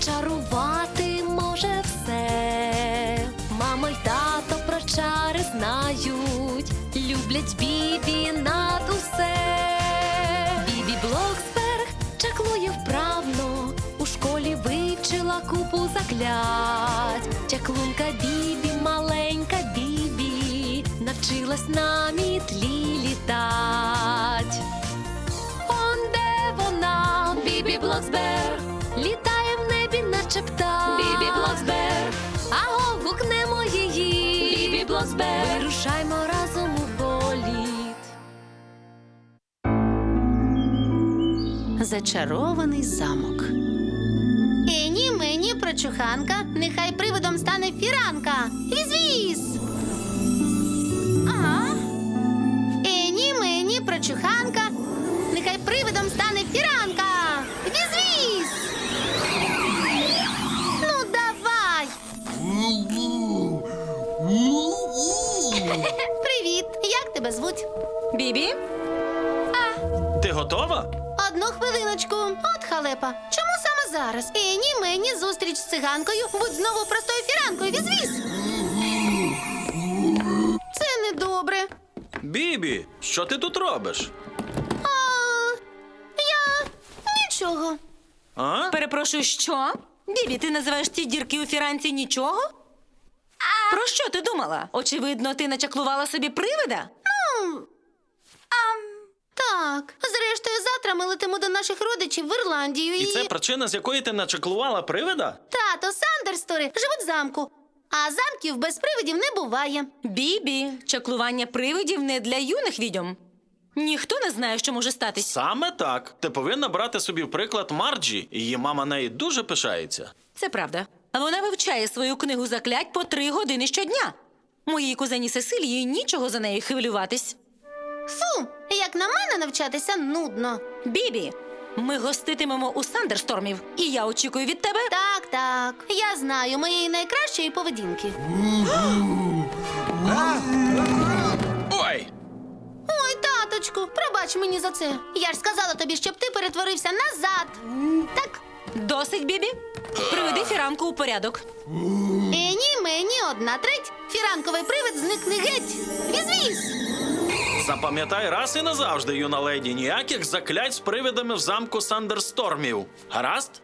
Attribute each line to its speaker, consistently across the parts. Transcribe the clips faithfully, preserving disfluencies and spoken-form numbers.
Speaker 1: Зачарувати може все. Мама й тато про чари знають, люблять Бібі над усе. Бібі Блоксберг чаклує вправно, у школі вивчила купу заклять. Чаклунка Бібі, маленька Бібі, навчилась на мітлі літать. Он де вона, Бібі Блоксберг, літає в небі, наче птах. Бібі Блоксберг, аго, гукнемо її. Бібі Блоксберг, вирушаймо разом у політ.
Speaker 2: Зачарований замок.
Speaker 3: Ені, мені, прочуханка, нехай привидом стане фіранка. Віз-віз! Ага. Ені, мені, прочуханка, нехай привидом стане фіранка. Віз-віз! Ну, давай! Привіт! Як тебе звуть?
Speaker 2: Бібі?
Speaker 4: Ти готова?
Speaker 3: Одну хвилиночку. От халепа. Чому саме зараз? Ені, мені, зустріч з циганкою. Будь знову простою фіранкою. Віз-віз! Це недобре.
Speaker 4: Бібі, що ти тут робиш?
Speaker 3: А, я... нічого.
Speaker 4: А?
Speaker 2: Перепрошую, що? Бібі, ти називаєш ці дірки у фіранці нічого? Про що ти думала? Очевидно, ти начаклувала собі привида?
Speaker 3: Так, зрештою, завтра ми летимо до наших родичів в Ірландію і...
Speaker 4: І це причина, з якої ти начаклувала привида?
Speaker 3: Тато Сандерстори живуть в замку, а замків без привидів не буває.
Speaker 2: Бібі, чаклування привидів не для юних відьом. Ніхто не знає, що може статись.
Speaker 4: Саме так. Ти повинна брати собі в приклад Марджі. Її мама неї дуже пишається.
Speaker 2: Це правда. Вона вивчає свою книгу заклять по три години щодня. Моїй кузені Сесилії нічого за нею хвилюватись.
Speaker 3: Фу, як на мене навчатися нудно.
Speaker 2: Бібі, ми гоститимемо у Сандерстормів, і я очікую від тебе.
Speaker 3: Так, так, я знаю моєї найкращої поведінки.
Speaker 4: Ой!
Speaker 3: Ой, таточку, пробач мені за це. Я ж сказала тобі, щоб ти перетворився назад. Так,
Speaker 2: Досить, Бібі. Приведи фіранку у порядок.
Speaker 3: ені, мені, одна треть. Фіранковий привид зникне геть. Віз-віз!
Speaker 4: Запам'ятай раз і назавжди, юна леді, ніяких заклять з привидами в замку Сандерстормів. Гаразд?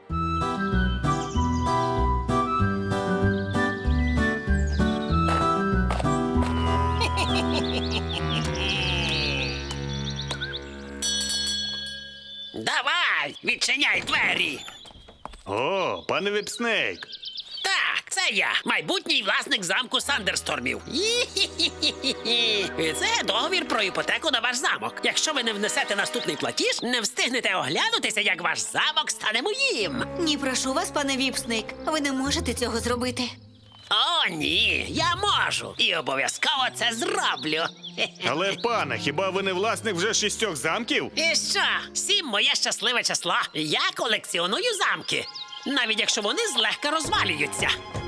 Speaker 5: Давай, відчиняй двері.
Speaker 6: О, пане Віпснейк.
Speaker 5: Так, це я, майбутній власник замку Сандерстормів. Ї-хі-хі-хі-хі. І це договір про іпотеку на ваш замок. Якщо ви не внесете наступний платіж, не встигнете оглянутися, як ваш замок стане моїм.
Speaker 7: Ні, прошу вас, пане Віпснейк, ви не можете цього зробити.
Speaker 5: О, ні, я можу. І обов'язково це зроблю.
Speaker 6: Але, пане, хіба ви не власник вже шістьох замків?
Speaker 5: І що? Сім моє щасливе число. Я колекціоную замки. Навіть якщо вони злегка розвалюються.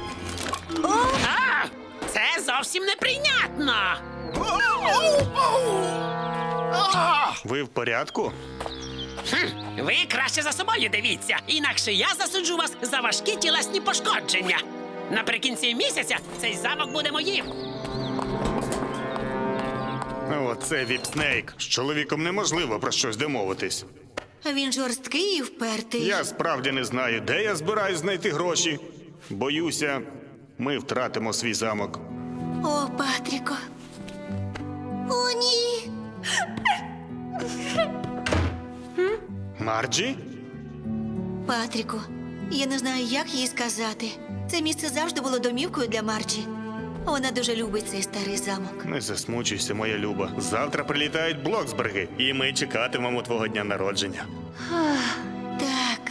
Speaker 5: А, це зовсім неприйнятно.
Speaker 6: Ви в порядку?
Speaker 5: Хм, ви краще за собою дивіться, інакше я засуджу вас за важкі тілесні пошкодження. Наприкінці місяця цей замок буде моїм.
Speaker 6: Оце Віпснейк. З чоловіком неможливо про щось домовитись.
Speaker 7: Він жорсткий і впертий.
Speaker 6: Я справді не знаю, де я збираюсь знайти гроші. Боюся, ми втратимо свій замок.
Speaker 7: О, Патріко. О, ні.
Speaker 6: Марджі?
Speaker 7: Патріко, я не знаю, як їй сказати. Це місце завжди було домівкою для Марджі. Вона дуже любить цей старий замок.
Speaker 6: Не засмучуйся, моя люба. Завтра прилітають Блоксберги, і ми чекатимемо твого дня народження.
Speaker 7: Так.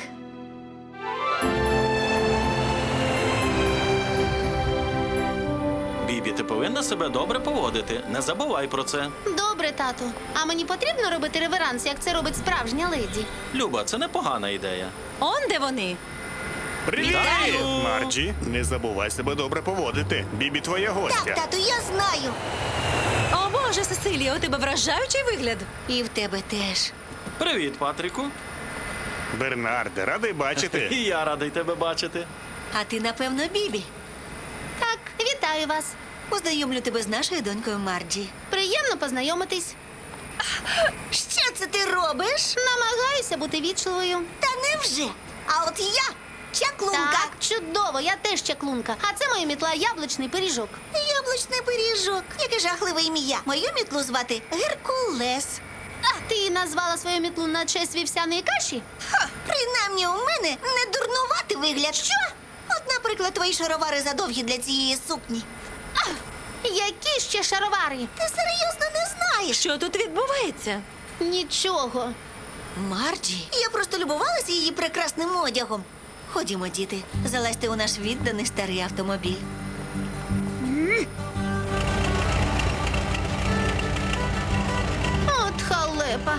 Speaker 4: Бібі, ти повинна себе добре поводити. Не забувай про це.
Speaker 3: Добре, тату. А мені потрібно робити реверанс, як це робить справжня леді?
Speaker 4: Люба, це непогана ідея.
Speaker 2: Он де вони?
Speaker 6: Привіт! Марджі, не забувай себе добре поводити. Бібі твоя гостя.
Speaker 7: тату, я знаю.
Speaker 2: О, Боже, Сесилія, у тебе вражаючий вигляд.
Speaker 7: І в тебе теж.
Speaker 4: Привіт, Патріку.
Speaker 6: Бернарде, радий бачити.
Speaker 4: І я радий тебе бачити.
Speaker 7: А ти, напевно, Бібі.
Speaker 3: Так, вітаю вас.
Speaker 7: Познайомлю тебе з нашою донькою Марджі.
Speaker 3: Приємно познайомитись.
Speaker 7: Що це ти робиш?
Speaker 3: Намагаюся бути вічливою.
Speaker 7: Та невже? А от я чаклунка.
Speaker 3: Так, чудово, я теж чаклунка. А це моя мітла яблучний пиріжок.
Speaker 7: Яблучний пиріжок. Яке жахливе ім'я. Мою мітлу звати Геркулес.
Speaker 3: А ти назвала свою мітлу на честь вівсяної каші?
Speaker 7: Ха, принаймні у мене не дурнуватий вигляд. Що? От, наприклад, твої шаровари задовгі для цієї сукні.
Speaker 3: Які ще шаровари?
Speaker 7: Ти серйозно не знаєш?
Speaker 2: Що тут відбувається?
Speaker 3: Нічого.
Speaker 7: Марджі, я просто любувалася її прекрасним одягом. Ходімо, діти, залазьте у наш відданий старий автомобіль.
Speaker 3: От халепа.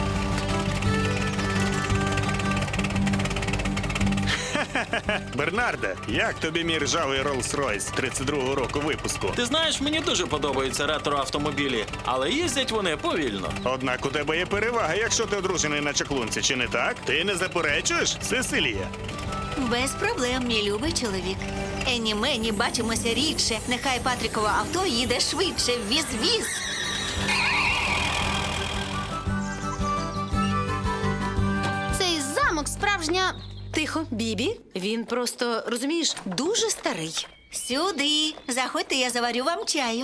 Speaker 6: Бернарде, як тобі мій ржавий Rolls-Royce тридцять другого року випуску?
Speaker 4: Ти знаєш, мені дуже подобаються ретро-автомобілі, але їздять вони повільно.
Speaker 6: Однак у тебе є перевага, якщо ти одружений на чаклунці, чи не так? Ти не заперечуєш, Сесилія?
Speaker 7: Без проблем, мій любий чоловік. Ені мені бачимося рідше. Нехай Патрікове авто їде швидше. Віз-віз.
Speaker 3: Цей замок справжня.
Speaker 2: Тихо, Бібі. Він просто, розумієш, дуже старий.
Speaker 7: Сюди. Заходьте, я заварю вам чаю.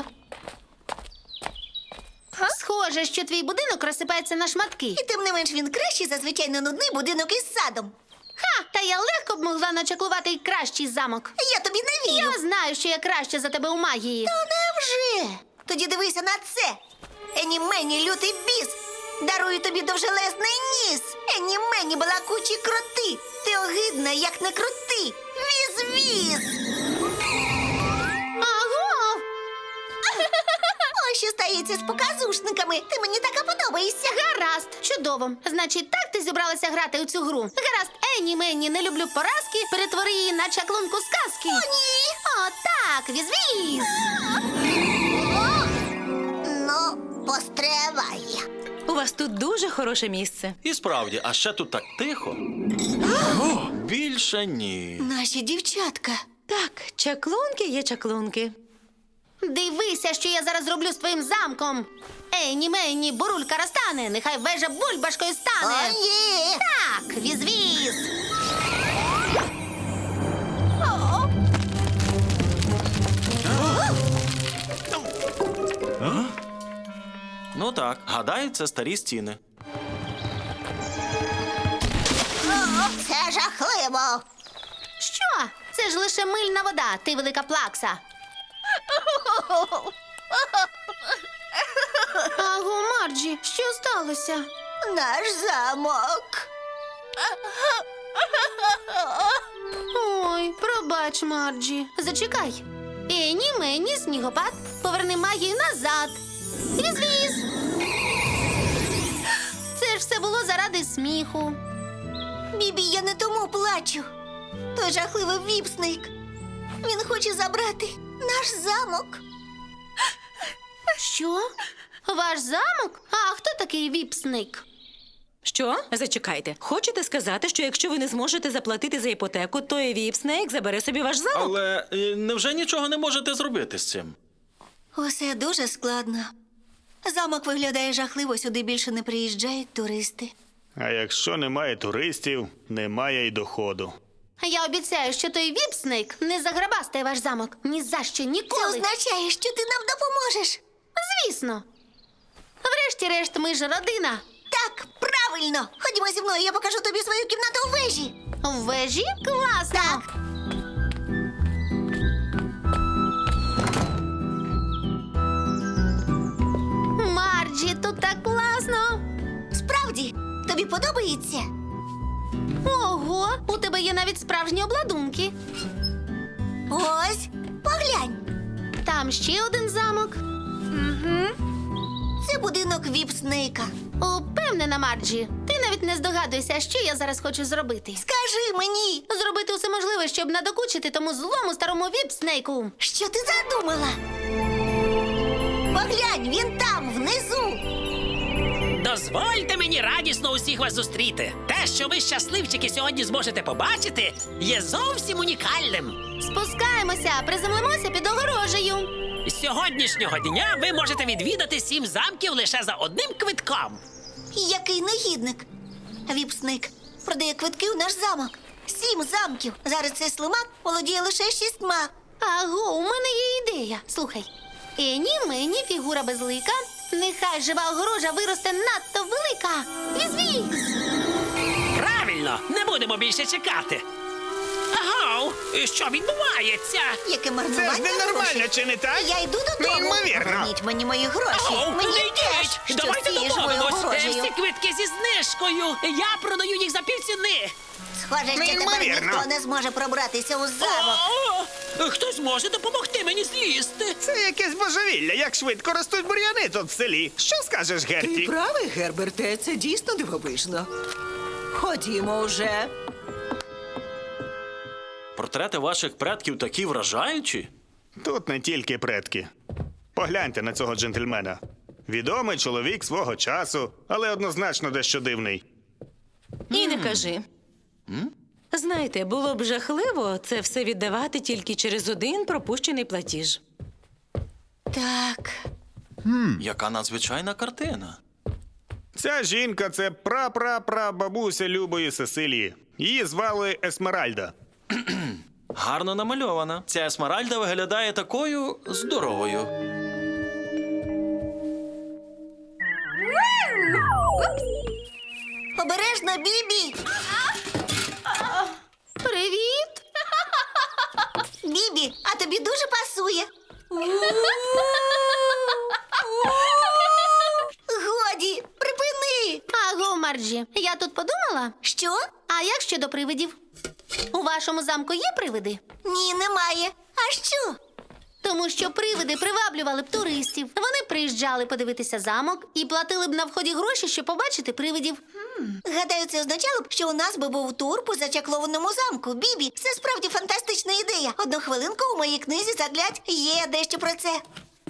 Speaker 3: Схоже, що твій будинок розсипається на шматки.
Speaker 7: І тим не менш він кращий за звичайно нудний будинок із садом.
Speaker 3: Ха! Та я легко б могла начаклувати й кращий замок.
Speaker 7: Я тобі не вірю.
Speaker 3: Я знаю, що я краще за тебе у магії.
Speaker 7: Та невже? Тоді дивися на це. Ені мені лютий біс. Дарую тобі довжелезний ніс. Ені мені балакучі кроти. Ти огидна, як не крути. Віз-віз.
Speaker 3: Аго!
Speaker 7: Ось що стається з показушниками. Ти мені така подобаєшся.
Speaker 3: Гаразд, чудово. Значить, так ти зібралася грати у цю гру. Гаразд, Ені Мені, не люблю поразки, перетвори її на чаклунку сказки.
Speaker 7: О, ні.
Speaker 3: О, так, віз-віз.
Speaker 7: Ну, постривай.
Speaker 2: У вас тут дуже хороше місце.
Speaker 4: І справді, а ще тут так тихо. О, більше ні.
Speaker 7: Наші дівчатка.
Speaker 2: Так, чаклунки є чаклунки.
Speaker 3: Дивися, що я зараз зроблю з твоїм замком. Ені Мені, бурулька розтане, нехай вежа бульбашкою стане.
Speaker 7: О, ні.
Speaker 3: Так, віз-віз.
Speaker 4: Ну так, гадаю, це старі стіни.
Speaker 7: Це жахливо.
Speaker 3: Що? Це ж лише мильна вода, ти велика плакса. Аго, Марджі, що сталося?
Speaker 7: Наш замок.
Speaker 3: Ой, пробач, Марджі. Зачекай. Ені, мені, снігопад, поверни магію назад. Віз-віз. Це ж все було заради сміху.
Speaker 7: Бібі, я не тому плачу. Той жахливий віпсник. Він хоче забрати наш замок.
Speaker 3: Що? Ваш замок? А хто такий віпсник?
Speaker 2: Що? Зачекайте. Хочете сказати, що якщо ви не зможете заплатити за іпотеку, то і Віпснейк забере собі ваш замок?
Speaker 4: Але е, невже нічого не можете зробити з цим?
Speaker 7: Усе дуже складно. Замок виглядає жахливо, сюди більше не приїжджають туристи.
Speaker 6: А якщо немає туристів, немає й доходу.
Speaker 3: Я обіцяю, що той віпсник не заграбастає ваш замок. Ні за що,
Speaker 7: Це
Speaker 3: ніколи.
Speaker 7: означає, що ти нам допоможеш.
Speaker 3: Звісно. Врешті-решт, ми ж родина.
Speaker 7: Так, правильно. Ходімо зі мною, я покажу тобі свою кімнату у вежі.
Speaker 3: В вежі? Класно.
Speaker 7: Так.
Speaker 3: Марджі, тут так класно.
Speaker 7: Справді, тобі подобається?
Speaker 3: Ого, у тебе є навіть справжні обладунки.
Speaker 7: Ось, поглянь.
Speaker 3: Там ще один замок.
Speaker 7: Це будинок Віпснейка.
Speaker 3: Упевнена, Марджі. Ти навіть не здогадуєшся, що я зараз хочу зробити.
Speaker 7: Скажи мені,
Speaker 3: Зробити усе можливе, щоб надокучити тому злому старому віпснейку.
Speaker 7: що ти задумала? Поглянь, він там, внизу.
Speaker 5: До Дозвольте мені радісно усіх вас зустріти. Те, що ви щасливчики сьогодні зможете побачити, є зовсім унікальним.
Speaker 3: Спускаємося, приземлимося під огорожею.
Speaker 5: З сьогоднішнього дня ви можете відвідати сім замків лише за одним квитком.
Speaker 7: Який негідник. Віпсник продає квитки у наш замок. Сім замків. Зараз цей слимак володіє лише шістьма.
Speaker 3: Аго, у мене є ідея. Слухай. Ені, мені, фігура безлика. Нехай жива огорожа виросте надто велика. Візвіз!
Speaker 5: Правильно, не будемо більше чекати. Агау, що відбувається?
Speaker 7: Яке марнування
Speaker 6: Це ж ненормально,
Speaker 7: грошей.
Speaker 6: чи не так?
Speaker 7: Я йду додому.
Speaker 6: Неймовірно.
Speaker 7: Поверніть мені мої гроші.
Speaker 5: Агау,
Speaker 7: мені
Speaker 5: не
Speaker 7: теж,
Speaker 5: йдіть!
Speaker 7: що
Speaker 5: Давайте
Speaker 7: з цією живою
Speaker 5: домовимось.
Speaker 7: огорожею.
Speaker 5: Всі квитки зі знижкою. Я продаю їх за півціни.
Speaker 7: Схоже, що тепер
Speaker 6: Неймовірно.
Speaker 7: ніхто не зможе пробратися у замок.
Speaker 5: О, хтось може допомогти мені злізти.
Speaker 6: Це якесь божевілля, як швидко ростуть бур'яни тут в селі. Що скажеш,
Speaker 8: Ти
Speaker 6: Герті?
Speaker 8: правий, Герберте, це дійсно дивовижно. Ходімо вже.
Speaker 4: Портрети ваших предків такі вражаючі.
Speaker 6: Тут не тільки предки. Погляньте на цього джентльмена. Відомий чоловік свого часу, але однозначно дещо дивний.
Speaker 2: І не кажи. Знаєте, було б жахливо це все віддавати тільки через один пропущений платіж. Так.
Speaker 4: Яка надзвичайна картина.
Speaker 6: Ця жінка – це пра-пра-пра-бабуся Любої Сесилії. Її звали Есмеральда.
Speaker 4: Гарно намальована. Ця Есмеральда виглядає такою здоровою.
Speaker 7: Обережно, Бібі!
Speaker 3: Привіт!
Speaker 7: Бібі, а тобі дуже пасує. Годі, припини!
Speaker 3: Аго, Марджі, я тут подумала.
Speaker 7: Що?
Speaker 3: А як щодо привидів? У вашому замку є привиди?
Speaker 7: Ні, немає. А що?
Speaker 3: Тому що привиди приваблювали б туристів. Вони приїжджали подивитися замок і платили б на вході гроші, щоб побачити привидів.
Speaker 7: Гадаю, це означало б, що у нас би був тур по зачаклованому замку. Бібі, це справді фантастична ідея. Одну хвилинку у моїй книзі заглядь є дещо про це.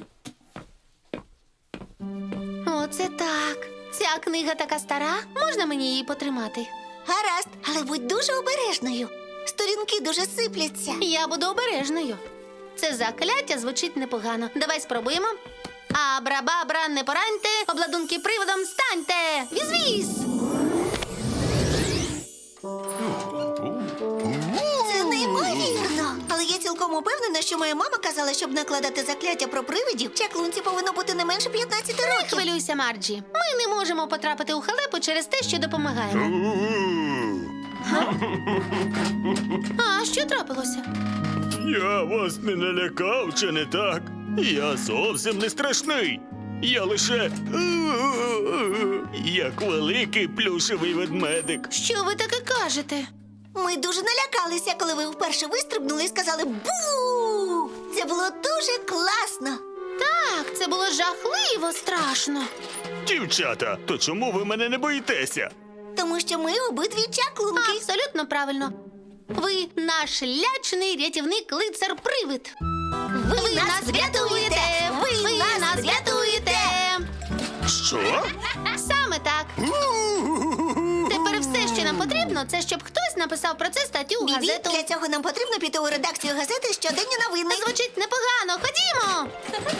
Speaker 3: Оце так. Ця книга така стара. Можна мені її потримати?
Speaker 7: Гаразд, але будь дуже обережною. Сторінки дуже сипляться.
Speaker 3: Я буду обережною. Це закляття звучить непогано. Давай спробуємо. Абра-бабра, не пораньте, обладунки приводом станьте! Віз-віз!
Speaker 7: Це неймовірно. Але я цілком упевнена, що моя мама казала, щоб накладати закляття про привидів, чаклунці повинно бути не менше п'ятнадцяти
Speaker 3: Не
Speaker 7: років.
Speaker 3: хвилюйся, Марджі. Ми не можемо потрапити у халепу через те, що допомагаємо. А що трапилося?
Speaker 6: Я вас не налякав, чи не так? Я зовсім не страшний. Я лише як великий плюшевий ведмедик.
Speaker 3: Що ви таке кажете?
Speaker 7: Ми дуже налякалися, коли ви вперше вистрибнули і сказали «Бу!». Це було дуже класно.
Speaker 3: Так, це було жахливо страшно.
Speaker 6: Дівчата, то чому ви мене не боїтеся?
Speaker 7: Тому що ми обидві чаклунки.
Speaker 3: Абсолютно правильно. Ви наш лячний рятівник лицар-привид.
Speaker 7: Ви нас врятуєте! Ви нас врятуєте!
Speaker 6: Що?
Speaker 3: Саме так. Тепер все, що нам потрібно, це щоб хтось написав про це статтю у
Speaker 7: Бібі,
Speaker 3: газету.
Speaker 7: для цього нам потрібно піти у редакцію газети «Щоденні новини».
Speaker 3: Звучить непогано. Ходімо.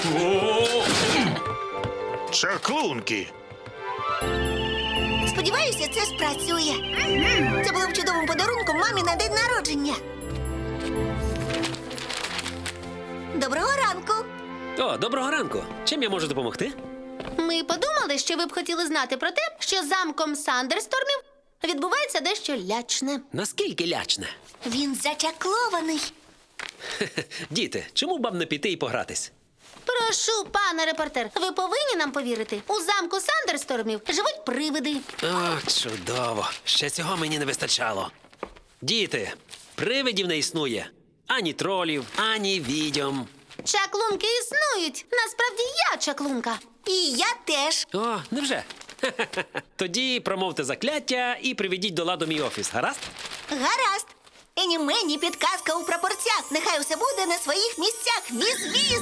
Speaker 6: Чаклунки.
Speaker 7: Сподіваюся, це спрацює. Це було б чудовим подарунком мамі на день народження. Доброго ранку.
Speaker 5: О, доброго ранку. Чим я можу допомогти?
Speaker 3: Ми подумали, що ви б хотіли знати про те, що замком Сандерстормів відбувається дещо лячне.
Speaker 5: Наскільки лячне?
Speaker 7: Він зачаклований.
Speaker 5: Діти, чому б вам не піти і погратись?
Speaker 3: Прошу, пане репортер, ви повинні нам повірити. У замку Сандерстормів живуть привиди.
Speaker 5: О, чудово. Ще цього мені не вистачало. Діти, привидів не існує. Ані тролів, ані відьом.
Speaker 3: Чаклунки існують. Насправді я чаклунка.
Speaker 7: І я теж.
Speaker 5: О, невже? Тоді промовте закляття і приведіть до ладу мій офіс, гаразд?
Speaker 7: Гаразд. Ені мені підказка у прапорцях. Нехай усе буде на своїх місцях. Віз-віз.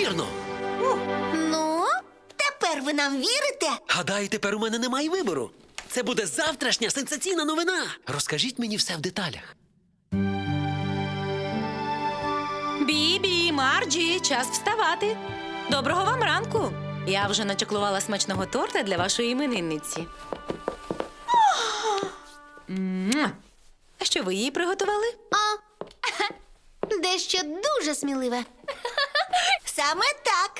Speaker 5: неймовірно.
Speaker 3: Ну,
Speaker 7: Тепер ви нам вірите?
Speaker 5: Гадаю, тепер у мене немає вибору. Це буде завтрашня сенсаційна новина. Розкажіть мені все в деталях.
Speaker 2: Бібі, Марджі, час вставати. Доброго вам ранку. Я вже начаклувала смачного торта для вашої іменинниці. Муа. А що ви їй приготували?
Speaker 3: а дещо дуже сміливе.
Speaker 7: Саме так.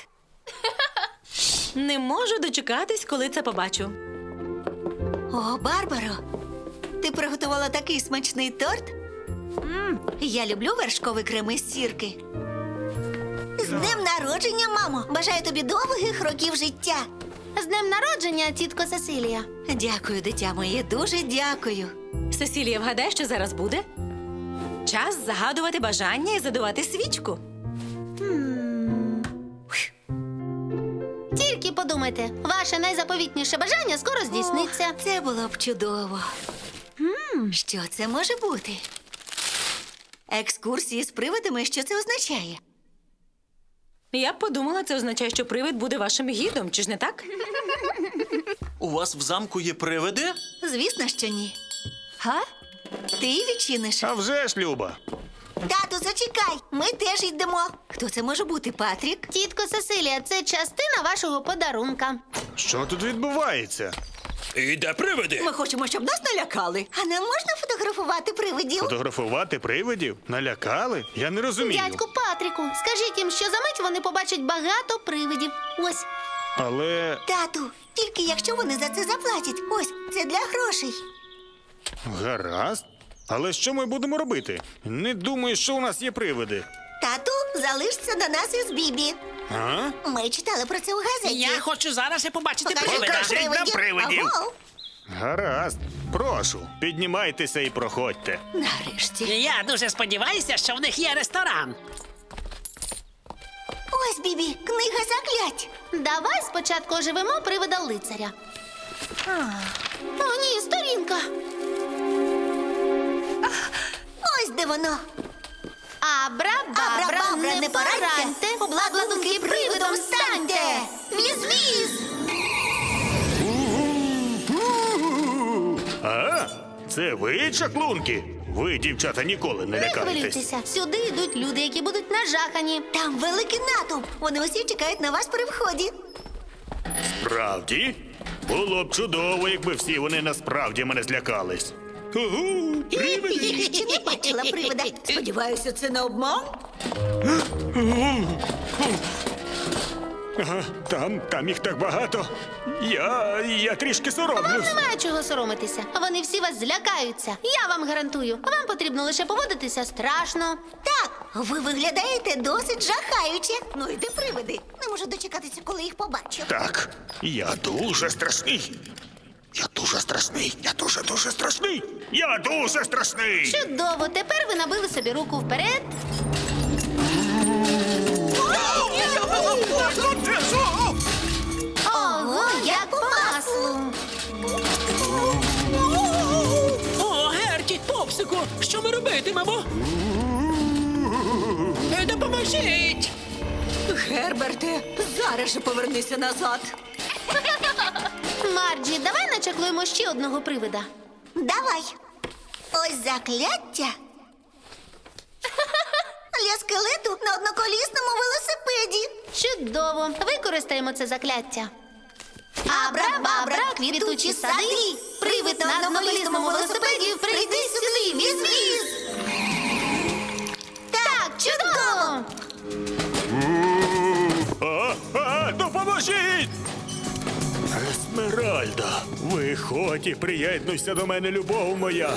Speaker 2: Не можу дочекатись, коли це побачу.
Speaker 7: О, Барбаро, ти приготувала такий смачний торт? М, я люблю вершковий крем із сірки. З днем народження, мамо! Бажаю тобі довгих років життя.
Speaker 3: З днем народження, тітко Сесилія.
Speaker 7: Дякую, дитя моє, дуже дякую.
Speaker 2: Сесілія, вгадай, що зараз буде? Час загадувати бажання і задувати свічку.
Speaker 3: Тільки подумайте, ваше найзаповітніше бажання скоро здійсниться.
Speaker 7: О, це було б чудово. М, що це може бути? Екскурсії з привидами, що це означає?
Speaker 2: Я б подумала, це означає, що привид буде вашим гідом, чи ж не так?
Speaker 4: У вас в замку є привиди?
Speaker 7: Звісно, що ні. Га? Ти відчиниш?
Speaker 6: А вже ж, Люба.
Speaker 7: Тату, зачекай, ми теж йдемо. Хто це може бути, Патрік?
Speaker 3: Тітко Сесилія, це частина вашого подарунка.
Speaker 6: Що тут відбувається?
Speaker 5: І де привиди?
Speaker 8: Ми хочемо, щоб нас налякали.
Speaker 7: А нам можна фотографувати привидів?
Speaker 6: Фотографувати привидів? Налякали? Я не розумію.
Speaker 3: Дядьку Патріку, скажіть їм, що за мить вони побачать багато привидів. Ось.
Speaker 6: Але
Speaker 7: Тату, тільки якщо вони за це заплатять. Ось, це для грошей.
Speaker 6: гаразд. Але що ми будемо робити? Не думаю, що у нас є привиди.
Speaker 7: Тату, залишся на нас із Бібі.
Speaker 6: А?
Speaker 7: Ми читали про це у газеті.
Speaker 5: Я хочу зараз і побачити
Speaker 7: Покажи
Speaker 5: привида.
Speaker 6: Покажіть нам привидів.
Speaker 7: Аго.
Speaker 6: Гаразд. Прошу, піднімайтеся і проходьте.
Speaker 7: Нарешті.
Speaker 5: Я дуже сподіваюся, що в них є ресторан.
Speaker 7: Ось, Бібі, книга заклять.
Speaker 3: Давай спочатку оживемо привида лицаря. О, ні, сторінка.
Speaker 7: Ось де воно.
Speaker 3: Абра-бабра,
Speaker 7: Абра-бабра,
Speaker 3: не
Speaker 7: не
Speaker 3: пораньте,
Speaker 7: пораньте,
Speaker 3: обладунки привидом станьте.
Speaker 7: Віз-віз!
Speaker 6: А? Це ви, чаклунки? Ви, дівчата, ніколи не
Speaker 3: Не
Speaker 6: лякаєтесь.
Speaker 3: хвилюйтеся, сюди йдуть люди, які будуть нажахані.
Speaker 7: Там великий натовп. Вони усі чекають на вас при вході.
Speaker 6: Правді? Було б чудово, якби всі вони насправді мене злякались. Угу, привиди!
Speaker 7: Ще не бачила привида.
Speaker 8: Сподіваюся, це не обман?
Speaker 6: Ага, там, там їх так багато. Я, я трішки соромлюсь.
Speaker 3: Немає чого соромитися. Вони всі вас злякаються. Я вам гарантую. Вам потрібно лише поводитися страшно.
Speaker 7: Так, ви виглядаєте досить жахаюче. Ну йди привиди. Не можу дочекатися, коли їх побачу.
Speaker 6: Так, я дуже страшний. Я дуже страшний. Я дуже дуже страшний. Я дуже страшний.
Speaker 3: Чудово, тепер ви набили собі руку вперед. Ого, як по маслу.
Speaker 5: О, Герті, Попсику, що ми робитимемо? Е, Допоможіть!
Speaker 8: Герберте, зараз же повернися назад.
Speaker 3: Марджі, давай начаклуємо ще одного привида.
Speaker 7: Давай. Ось закляття. Для скелету на одноколісному велосипеді.
Speaker 3: Чудово, використаємо це закляття. Абра-бабра, квітучі сади, привид на одноколісному велосипеді, прийди сюди, віз-віз. Так, чудово.
Speaker 6: А, а, допоможіть! Есмеральда, виходь і приєднуйся до мене, любов моя.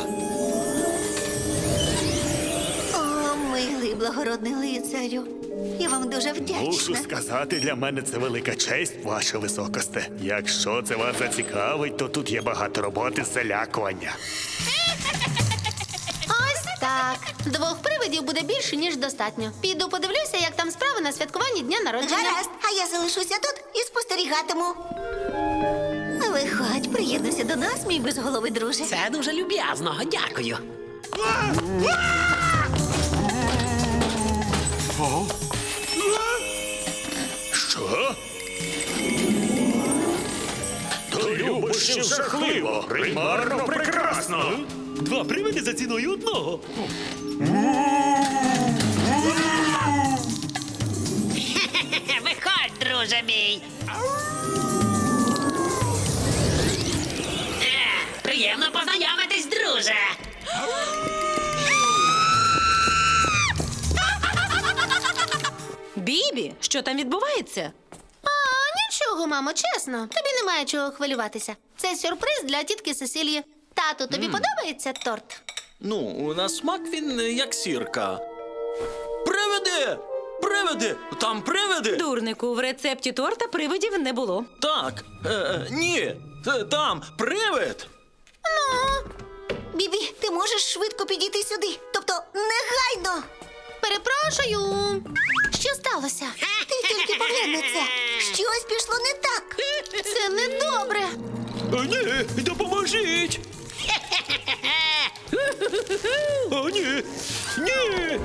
Speaker 7: О, милий благородний лицарю. Я вам дуже
Speaker 6: Мушу
Speaker 7: вдячна.
Speaker 6: сказати, для мене це велика честь, ваше високосте. Якщо це вас зацікавить, то тут є багато роботи з залякування.
Speaker 3: Ось так. Двох привидів буде більше, ніж достатньо. Піду подивлюся, як там справи на святкуванні дня народження.
Speaker 7: Гаразд, а я залишуся тут і спостерігатиму. Виходь, приєднуйся до нас, мій безголовий друже.
Speaker 5: Це дуже люб'язно, дякую.
Speaker 6: То любощів жахливо, примарно прекрасно.
Speaker 9: Два привиди за ціною одного.
Speaker 5: Виходь, друже мій. Е, Приємно познайомитись, друже.
Speaker 2: Бібі, що там відбувається?
Speaker 3: А, нічого, мамо, чесно. Тобі немає чого хвилюватися. Це сюрприз для тітки Сесилії. Тату, тобі подобається торт?
Speaker 4: Ну, на смак він е, як сірка. Привиди! Привиди! Там привиди!
Speaker 2: Дурнику, в рецепті торта привидів не було.
Speaker 4: Так. Е, е, ні. Т- Там привид!
Speaker 7: Бібі, ти можеш швидко підійти сюди. Тобто негайно.
Speaker 3: Перепрошую. Що сталося?
Speaker 7: Ти тільки поглянь на це. Щось пішло не так.
Speaker 3: Це недобре.
Speaker 9: О, ні, допоможіть! О, ні! Ні!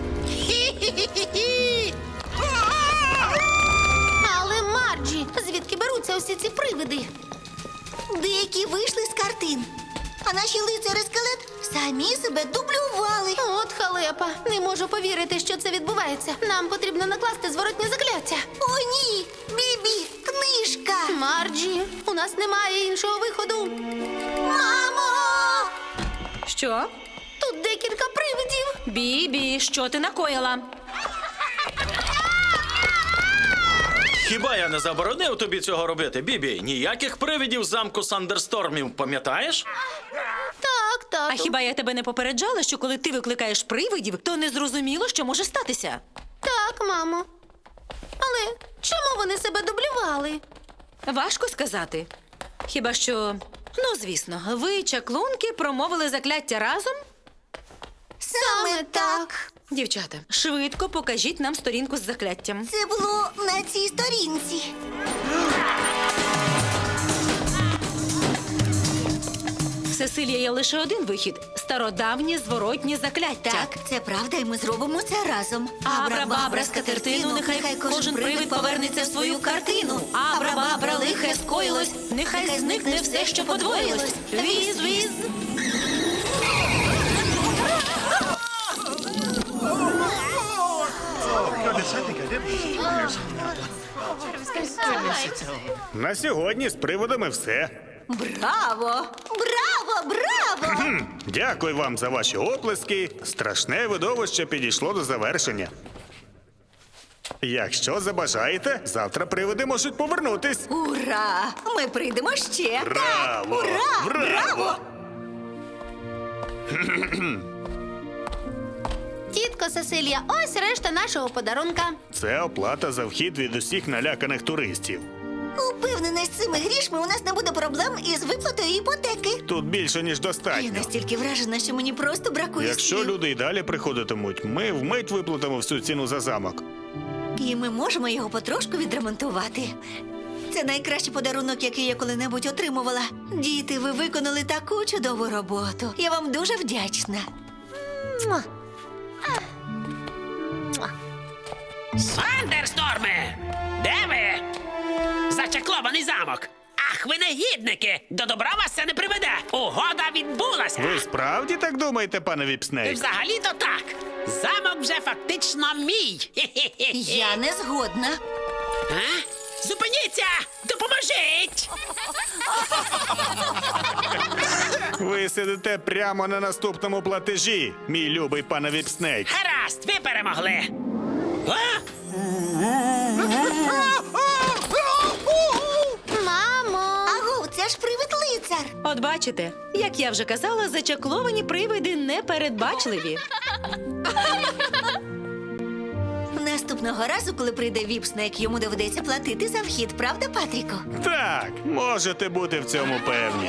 Speaker 3: Але, Марджі, звідки беруться усі ці привиди?
Speaker 7: Деякі вийшли з картин. А наші лицарі скелет самі себе дублювали.
Speaker 3: От халепа. Не можу повірити, що це відбувається. Нам потрібно накласти зворотнє закляття.
Speaker 7: О, ні! Бібі, книжка!
Speaker 3: Марджі, у нас немає іншого виходу.
Speaker 7: Мамо!
Speaker 2: Що?
Speaker 3: Тут декілька привидів.
Speaker 2: Бібі, що ти накоїла?
Speaker 4: Хіба я не заборонив тобі цього робити, Бібі? Ніяких привидів замку Сандерстормів, пам'ятаєш?
Speaker 3: Так, тату.
Speaker 2: А хіба я тебе не попереджала, що коли ти викликаєш привидів, то не зрозуміло, що може статися?
Speaker 3: Так, мамо. Але чому вони себе дублювали?
Speaker 2: Важко сказати. Хіба що, ну звісно, ви, чаклунки, промовили закляття разом?
Speaker 7: Саме так.
Speaker 2: Дівчата, швидко покажіть нам сторінку з закляттям.
Speaker 7: Це було на цій сторінці.
Speaker 2: Сесилія, є лише один вихід – стародавнє зворотнє закляття.
Speaker 7: Так, це правда, і ми зробимо це разом.
Speaker 2: Абра-бабра з катертину, нехай кожен привид повернеться в свою картину. Абра-бабра, лихе скоїлось, нехай зникне все, що подвоїлось. Віз-віз.
Speaker 6: На сьогодні з приводами все.
Speaker 7: Браво! Браво! Браво!
Speaker 6: Хм, Дякую вам за ваші оплески. Страшне видовище підійшло до завершення. Якщо забажаєте, завтра привиди можуть повернутись.
Speaker 7: Ура! Ми прийдемо ще.
Speaker 6: Браво!
Speaker 7: Ура!
Speaker 6: Браво!
Speaker 3: Тітко Сесилія, ось решта нашого подарунка.
Speaker 6: Це оплата за вхід від усіх наляканих туристів.
Speaker 7: Упевнена, з цими грішми у нас не буде проблем із виплатою іпотеки.
Speaker 6: Тут більше, ніж
Speaker 7: Я
Speaker 6: достатньо.
Speaker 7: настільки вражена, що мені просто бракує
Speaker 6: Якщо
Speaker 7: слів.
Speaker 6: люди й далі приходитимуть, ми вмить виплатимо всю ціну за замок.
Speaker 7: І ми можемо його потрошку відремонтувати. Це найкращий подарунок, який я коли-небудь отримувала. Діти, ви виконали таку чудову роботу. Я вам дуже вдячна. Муа.
Speaker 5: Сандерсторми! Де ви? Зачаклований замок! Ах, ви негідники! До добра вас це не приведе! Угода відбулася!
Speaker 6: Ви справді так думаєте, пане Віпснейк?
Speaker 5: Взагалі-то так! Замок вже фактично мій! Хе-хе-хе.
Speaker 7: Я не згодна.
Speaker 5: А? Зупиніться! Допоможіть!
Speaker 6: Ви сидите прямо на наступному платежі, мій любий пане Віпснейк.
Speaker 5: Гаразд, ви перемогли! А?
Speaker 3: Мамо!
Speaker 7: Агу, це ж привид-лицар.
Speaker 2: От бачите, як я вже казала, зачакловані привиди непередбачливі.
Speaker 7: Наступного разу, коли прийде Віпснейк, йому доведеться платити за вхід, правда, Патріку?
Speaker 6: Так, можете бути в цьому певні.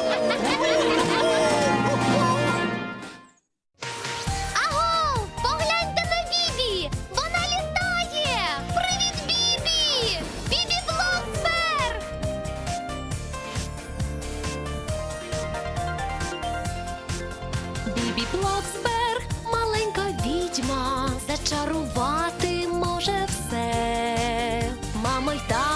Speaker 3: Аго! Погляньте на Бібі! Вона літає! Привіт, Бібі! Бібі Блоксберг!
Speaker 1: Бібі Блоксберг, маленька відьма, зачарувати може все. Мама й тато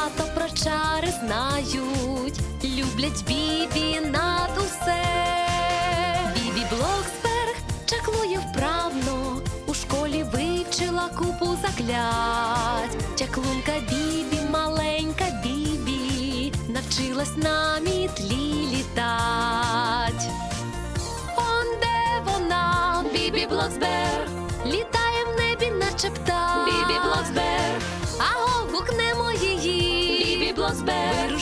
Speaker 1: люблять Бібі над усе. Бібі Блоксберг чаклує вправно, у школі вивчила купу заклять. Чаклунка Бібі, маленька Бібі, навчилась на мітлі літать. Он де вона, Бібі Блоксберг, літає в небі, наче птах. Бібі Блоксберг, аго, гукнемо її. Бібі Блоксберг,